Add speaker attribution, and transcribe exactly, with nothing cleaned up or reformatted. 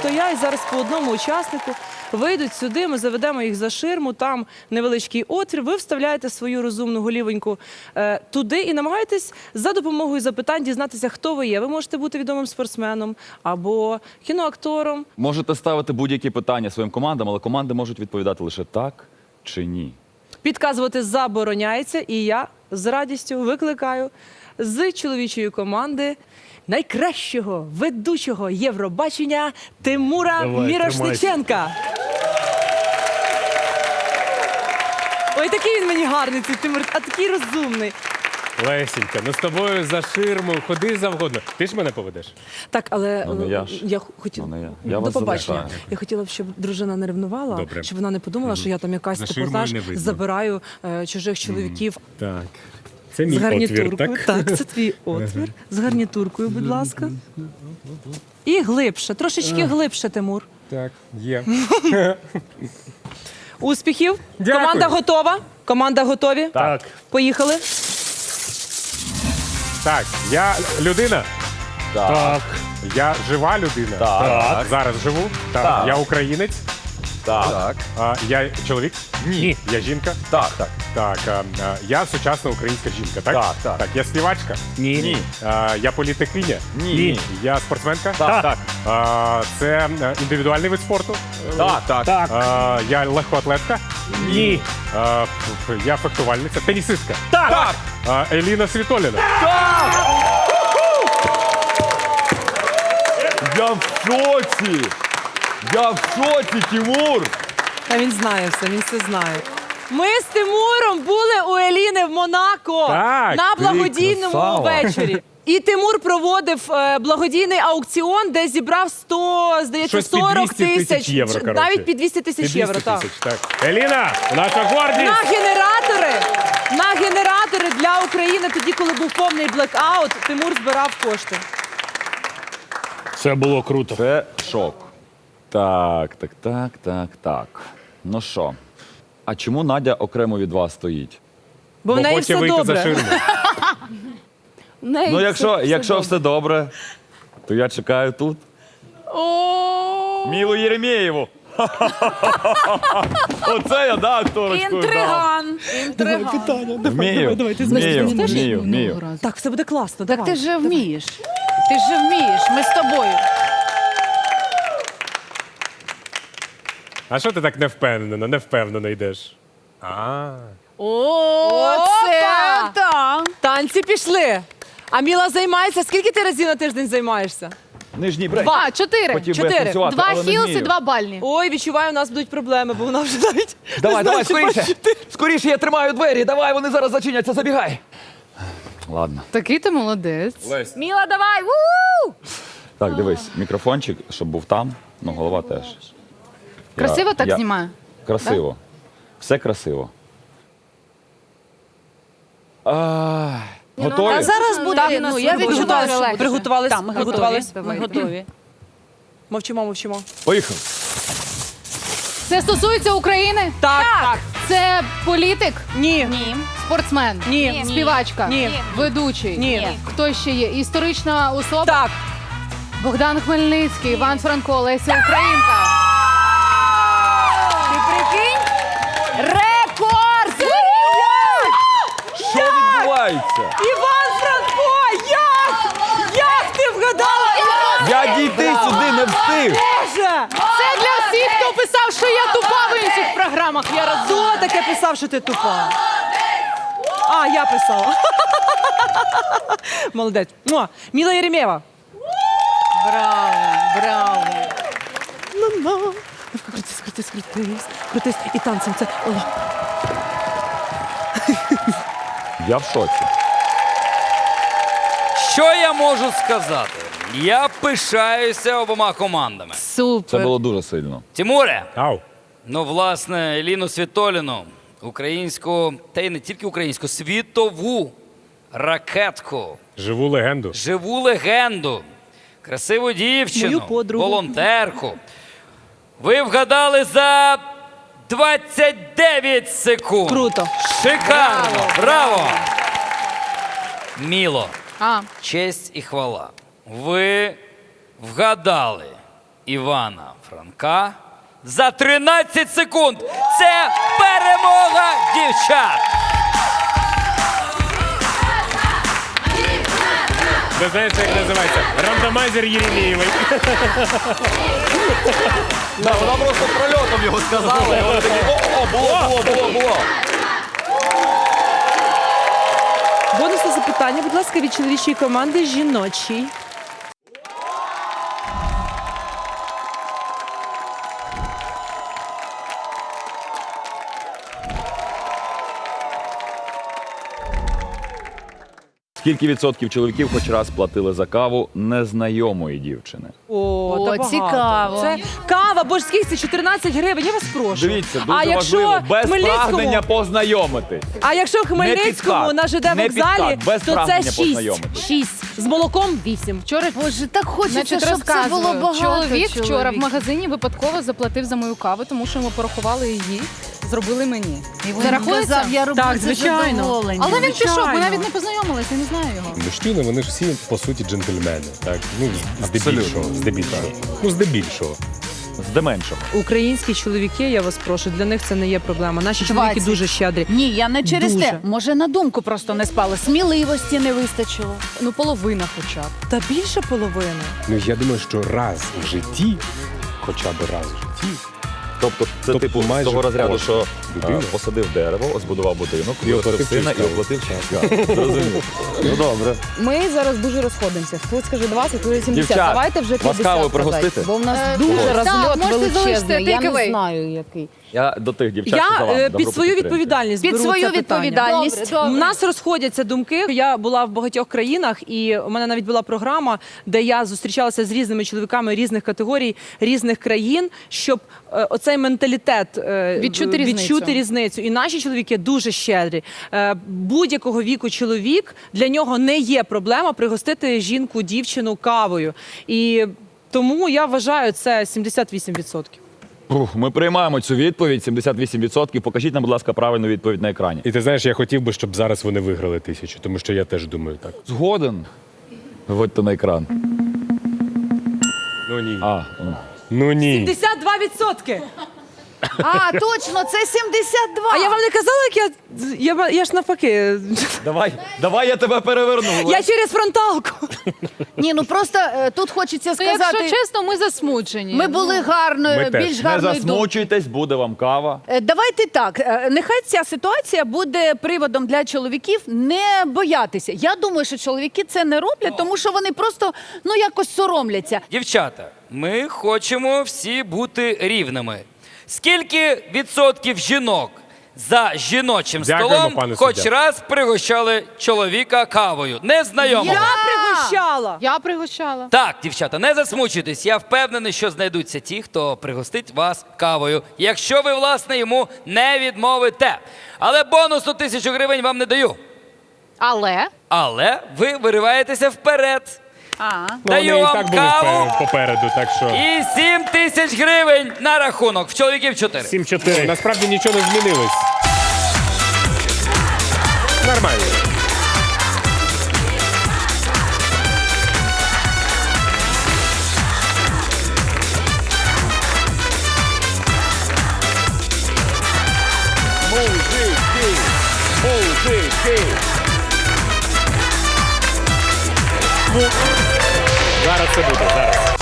Speaker 1: стоять зараз по одному учаснику, вийдуть сюди, ми заведемо їх за ширму, там невеличкий отвір, ви вставляєте свою розумну голівоньку е, туди і намагаєтесь за допомогою запитань дізнатися, хто ви є. Ви можете бути відомим спортсменом або кіноактором.
Speaker 2: Можете ставити будь-які питання своїм командам, але команди можуть відповідати лише так чи ні.
Speaker 1: Підказувати забороняється, і я з радістю викликаю з чоловічої команди найкращого ведучого Євробачення Тимура
Speaker 3: Давай,
Speaker 1: Мірошниченка. Ой, такий він мені гарний, цей Тимур, а такий розумний.
Speaker 3: Лесінька, ну з тобою за ширму, ходи завгодно. Ти ж мене поведеш?
Speaker 1: Так, але
Speaker 2: Ну, не
Speaker 1: е,
Speaker 2: я ж.
Speaker 1: я хотіла.
Speaker 2: Ну, не я. Я
Speaker 1: До
Speaker 2: вас
Speaker 1: побачення.
Speaker 2: залишаю.
Speaker 1: Я хотіла б, щоб дружина не ревнувала,
Speaker 3: Добре.
Speaker 1: щоб вона не подумала, що я там якась
Speaker 3: За
Speaker 1: типу,
Speaker 3: ширмою
Speaker 1: знаєш,
Speaker 3: не видно.
Speaker 1: забираю е, чужих чоловіків
Speaker 3: Так. Це
Speaker 1: з
Speaker 3: мій
Speaker 1: гарнітуркою.
Speaker 3: отвір, так?
Speaker 1: Так, це твій отвір. З гарнітуркою, будь ласка. І глибше, трошечки глибше, Тимур.
Speaker 3: Так, є.
Speaker 1: Успіхів.
Speaker 3: Дякую.
Speaker 1: Команда готова. Команда готові.
Speaker 3: Так.
Speaker 1: Поїхали.
Speaker 3: Так, я людина.
Speaker 2: Так.
Speaker 3: Я жива людина.
Speaker 2: Так.
Speaker 3: Зараз живу. Так.
Speaker 2: Так.
Speaker 3: Я українець.
Speaker 2: Так.
Speaker 3: А, я чоловік.
Speaker 2: Ні.
Speaker 3: Я жінка.
Speaker 2: Так, так.
Speaker 3: Так, а, а, я сучасна українська жінка, так?
Speaker 2: Так, так.
Speaker 3: Так, я співачка.
Speaker 2: Ні. Ні.
Speaker 3: А, я політикиня.
Speaker 2: Ні.
Speaker 3: Я спортсменка.
Speaker 2: Так, так.
Speaker 3: А, це е, індивідуальний вид спорту.
Speaker 2: Так, так.
Speaker 3: А, я легкоатлетка.
Speaker 2: Ні.
Speaker 3: А, ф- я фехтувальниця. Тенісистка.
Speaker 2: Так.
Speaker 3: А, Еліна Світоліна.
Speaker 2: Я в шоці! Я в шоці, Тимур!
Speaker 1: А він знає все, він все знає. Ми з Тимуром були у Еліни в Монако
Speaker 3: Так,
Speaker 1: на
Speaker 3: ти
Speaker 1: благодійному
Speaker 3: красава.
Speaker 1: вечорі. І Тимур проводив е, благодійний аукціон, де зібрав сто, здається,
Speaker 3: Щось під
Speaker 1: сорок
Speaker 3: двісті тисяч
Speaker 1: тисяч,
Speaker 3: євро, коротше.
Speaker 1: навіть під двісті тисяч євро.
Speaker 3: двісті
Speaker 1: Так.
Speaker 3: тисяч, так. Еліна, наша гордість.
Speaker 1: На генератори, на генератори для України, тоді, коли був повний блекаут, Тимур збирав кошти.
Speaker 3: Це було круто.
Speaker 2: Це шок. Так, так, так, так, так. Ну що? А чому Надя окремо від вас стоїть?
Speaker 1: Бо в
Speaker 3: Бо
Speaker 1: неї
Speaker 3: хоче
Speaker 1: все
Speaker 3: вийти за
Speaker 1: добре.
Speaker 3: ширму.
Speaker 2: Ну, якщо, якщо все добре, то я чекаю тут. Мілу Єремєєву. Оце я, да, акторочку.
Speaker 4: Інтриган.
Speaker 1: Інтриган.
Speaker 2: Вмію,
Speaker 1: давай, ти
Speaker 2: вмію,
Speaker 1: знаєш,
Speaker 2: вмію, вмію.
Speaker 1: Так, все буде класно.
Speaker 4: Так
Speaker 1: давай.
Speaker 4: ти ж вмієш. Ти ж вмієш. Ми з тобою.
Speaker 3: А що ти так невпевнено, невпевнено йдеш? А.
Speaker 4: О, це
Speaker 1: Опа!
Speaker 4: так.
Speaker 1: Танці пішли. А Міла займається. Скільки ти разів на тиждень займаєшся?
Speaker 2: Нижній брейк.
Speaker 4: Два, чотири.
Speaker 2: Хотів би я
Speaker 1: чотири.
Speaker 2: танцювати,
Speaker 4: Два
Speaker 2: але не
Speaker 4: хілси,
Speaker 2: вмію.
Speaker 4: два бальні.
Speaker 1: Ой, відчуваю, у нас будуть проблеми, бо вона вже навіть
Speaker 2: Давай,
Speaker 1: не
Speaker 2: давай,
Speaker 1: знає, чи
Speaker 2: скоріше.
Speaker 1: бачити.
Speaker 2: Скоріше, я тримаю двері. Давай, вони зараз зачиняться, забігай. Ладно.
Speaker 4: Такий ти молодець. Міла, давай. У!
Speaker 2: Так, дивись, мікрофончик, щоб був там, ну голова теж. Я-
Speaker 4: Красиво так
Speaker 2: я-
Speaker 4: знімаю?
Speaker 2: Красиво. Все красиво. А, готові?
Speaker 4: Та зараз буде.
Speaker 1: Так,
Speaker 4: ну, я відчуваю,
Speaker 1: Приготувались?
Speaker 4: що легше.
Speaker 1: Приготувались?
Speaker 4: Так, ми готові.
Speaker 1: Приготувались?
Speaker 4: Ми
Speaker 1: Ми
Speaker 4: готові.
Speaker 1: Мовчимо, мовчимо.
Speaker 2: Поїхали.
Speaker 4: Це стосується України?
Speaker 1: Так, так.
Speaker 4: Це політик?
Speaker 1: Ні.
Speaker 4: Ні. Спортсмен?
Speaker 1: Ні.
Speaker 4: Співачка?
Speaker 1: Ні.
Speaker 4: Ведучий?
Speaker 1: Ні.
Speaker 4: Хто ще є? Історична особа?
Speaker 1: Так.
Speaker 4: Богдан Хмельницький, Іван Франко, Леся Українка.
Speaker 1: Ти прикинь? Рекорд!
Speaker 2: Що відбувається?
Speaker 1: Іван Франко! Як? Як ти вгадала? Іван?
Speaker 2: Я дійти сюди не встиг.
Speaker 1: Боже!
Speaker 4: Це для всіх, хто писав, що я тупа в інших програмах. Я роз...
Speaker 1: Хто таке писав, що ти тупа? А, я писала. Молодець. Муа. Міла Єремєєва.
Speaker 4: Браво, браво.
Speaker 1: Ну-ну. Крутись, крутись, крутись, крутись. І танцем це. О.
Speaker 2: Я в шоці.
Speaker 5: Що я можу сказати? Я пишаюся обома командами.
Speaker 4: Супер.
Speaker 2: Це було дуже сильно.
Speaker 5: Тимуре,
Speaker 3: Ау.
Speaker 5: ну, власне, Еліну Світоліну, українську, та й не тільки українську, світову ракетку,
Speaker 3: Живу легенду.
Speaker 5: живу легенду, красиву дівчину,
Speaker 1: Мою подругу.
Speaker 5: волонтерку. Ви вгадали за двадцять дев'ять секунд.
Speaker 1: Круто.
Speaker 5: Шикарно. Браво. Міло.
Speaker 4: А,
Speaker 5: Честь і хвала. Ви вгадали Івана Франка за тринадцять секунд. Це перемога дівчат.
Speaker 3: Ви знаєте, як називається? Рандомайзер Єремєєвий.
Speaker 2: Да, вона просто прольотом його сказала. І вони такі, о, о, було, було, було, було.
Speaker 1: Бонусне запитання, будь ласка, від чоловічої команди жіночій.
Speaker 2: Скільки відсотків чоловіків хоч раз платили за каву незнайомої дівчини?
Speaker 1: О,
Speaker 4: О,
Speaker 1: та багато.
Speaker 4: цікаво.
Speaker 1: Це кава, бо ж скільки це чотирнадцять гривень, я вас прошу.
Speaker 2: Дивіться,
Speaker 1: а
Speaker 2: дуже
Speaker 1: якщо
Speaker 2: важливо, без
Speaker 1: Хмельницькому,
Speaker 2: прагнення познайомитись.
Speaker 1: а якщо в Хмельницькому
Speaker 2: підкат,
Speaker 1: на ЖД
Speaker 2: не
Speaker 1: вокзалі,
Speaker 2: підкат, без
Speaker 1: то це
Speaker 2: прагнення
Speaker 1: шість.
Speaker 2: познайомитись.
Speaker 1: шість. З молоком вісім.
Speaker 4: Вчора, боже, так хочеться,
Speaker 6: Значить,
Speaker 4: щоб це було
Speaker 6: розказую.
Speaker 4: багато.
Speaker 6: Чоловік вчора в
Speaker 4: чоловіків.
Speaker 6: магазині випадково заплатив за мою каву, тому що ми порахували її, зробили мені.
Speaker 4: І він
Speaker 6: Це рахується?
Speaker 4: казав, я роблю
Speaker 1: Так,
Speaker 4: це
Speaker 1: звичайно.
Speaker 4: задоволення.
Speaker 6: Але він пішов, ми
Speaker 1: Звичайно.
Speaker 6: навіть не познайомилися, я не знаю його.
Speaker 3: Мужчини, вони ж всі, по суті, джентльмени. Так? Ну,
Speaker 2: Абсолютно.
Speaker 3: здебільшого. Здебільшого. Ну, здебільшого.
Speaker 2: Здеменшого.
Speaker 1: Українські чоловіки, я вас прошу, для них це не є проблема. Наші чоловіки
Speaker 4: двадцять.
Speaker 1: дуже щедрі.
Speaker 4: Ні, я не через
Speaker 1: Дуже.
Speaker 4: те. Може, на думку просто не спали. Сміливості не вистачило.
Speaker 6: Ну, половина хоча б.
Speaker 1: Та більше половини.
Speaker 3: Ну, я думаю, що раз в житті, хоча б раз в житті,
Speaker 2: Тобто це
Speaker 3: Тобто
Speaker 2: типу з
Speaker 3: майже
Speaker 2: того розряду,
Speaker 3: кожна
Speaker 2: що
Speaker 3: людина.
Speaker 2: е, посадив дерево, збудував будинок,
Speaker 3: І
Speaker 2: виростив
Speaker 3: оплатив
Speaker 2: сина
Speaker 3: через
Speaker 2: і оплатив через каву. Зрозумів. Ну добре.
Speaker 7: Ми зараз дуже розходимося. Хтось каже двадцять, хтось сімдесят.
Speaker 2: Дівчат,
Speaker 7: Давайте вже
Speaker 2: вас
Speaker 7: п'ятдесят
Speaker 2: кавою
Speaker 7: сказати,
Speaker 2: пригостити?
Speaker 7: бо в нас
Speaker 6: Е,
Speaker 7: дуже
Speaker 6: так,
Speaker 7: розльот
Speaker 6: можете залишити
Speaker 7: величезний. Я не
Speaker 6: takeaway.
Speaker 7: знаю, який.
Speaker 2: Я до тих дівчат, що за
Speaker 1: Я
Speaker 2: вами.
Speaker 1: е,
Speaker 2: Добро
Speaker 1: під свою
Speaker 2: підтримки.
Speaker 1: відповідальність
Speaker 4: Під
Speaker 1: беру
Speaker 4: свою
Speaker 1: це питання.
Speaker 4: відповідальність.
Speaker 1: У нас розходяться думки. Я була в багатьох країнах, і у мене навіть була програма, де я зустрічалася з різними чоловіками різних категорій, різних країн, щоб е, оцей менталітет е,
Speaker 6: Відчути різницю.
Speaker 1: відчути різницю. І наші чоловіки дуже щедрі. Е, будь-якого віку чоловік, для нього не є проблема пригостити жінку, дівчину кавою. І тому я вважаю, це сімдесят вісім відсотків.
Speaker 2: Ух, ми приймаємо цю відповідь, сімдесят вісім відсотків. Покажіть нам, будь ласка, правильну відповідь на екрані.
Speaker 3: І ти знаєш, я хотів би, щоб зараз вони виграли тисячу, тому що я теж думаю так.
Speaker 2: Згоден. Виводьте на екран.
Speaker 3: Ну ні.
Speaker 2: А, ну.
Speaker 3: Ну ні.
Speaker 1: сімдесят два відсотки!
Speaker 4: А, точно, це сімдесят два.
Speaker 1: А я вам не казала, як я. Я, я ж навпаки.
Speaker 2: Давай, давай я тебе переверну.
Speaker 1: Я через фронталку.
Speaker 4: Ні, ну просто е, тут хочеться
Speaker 6: То, якщо
Speaker 4: сказати,
Speaker 6: чесно, ми засмучені.
Speaker 4: ми були гарною,
Speaker 3: Ми теж.
Speaker 4: більш
Speaker 2: Не
Speaker 4: гарною думкою.
Speaker 2: засмучуйтесь, буде вам кава.
Speaker 4: Е, Давайте так. е, Нехай ця ситуація буде приводом для чоловіків не боятися. Я думаю, що чоловіки це не роблять, тому що вони просто ну якось соромляться.
Speaker 5: Дівчата, ми хочемо всі бути рівними. Скільки відсотків жінок за жіночим
Speaker 3: Дякуємо,
Speaker 5: столом
Speaker 3: пане
Speaker 5: хоч
Speaker 3: суддя.
Speaker 5: раз пригощали чоловіка кавою? Незнайомого.
Speaker 1: Я пригощала.
Speaker 6: Я пригощала.
Speaker 5: Так, дівчата, не засмучуйтесь. Я впевнений, що знайдуться ті, хто пригостить вас кавою, якщо ви, власне, йому не відмовите. Але бонусну тисячу гривень вам не даю.
Speaker 6: Але
Speaker 5: Але ви вириваєтеся вперед.
Speaker 4: А.
Speaker 3: Ну,
Speaker 5: Даю
Speaker 3: вони і
Speaker 5: вам
Speaker 3: так були
Speaker 5: каву.
Speaker 3: впе- попереду, так що...
Speaker 5: І сім тисяч гривень на рахунок. В чоловіків чотири.
Speaker 3: сім чотири. Насправді нічого не змінилось. Нормально.
Speaker 2: Мужики! Мужики!
Speaker 3: Зараз це буде, зараз.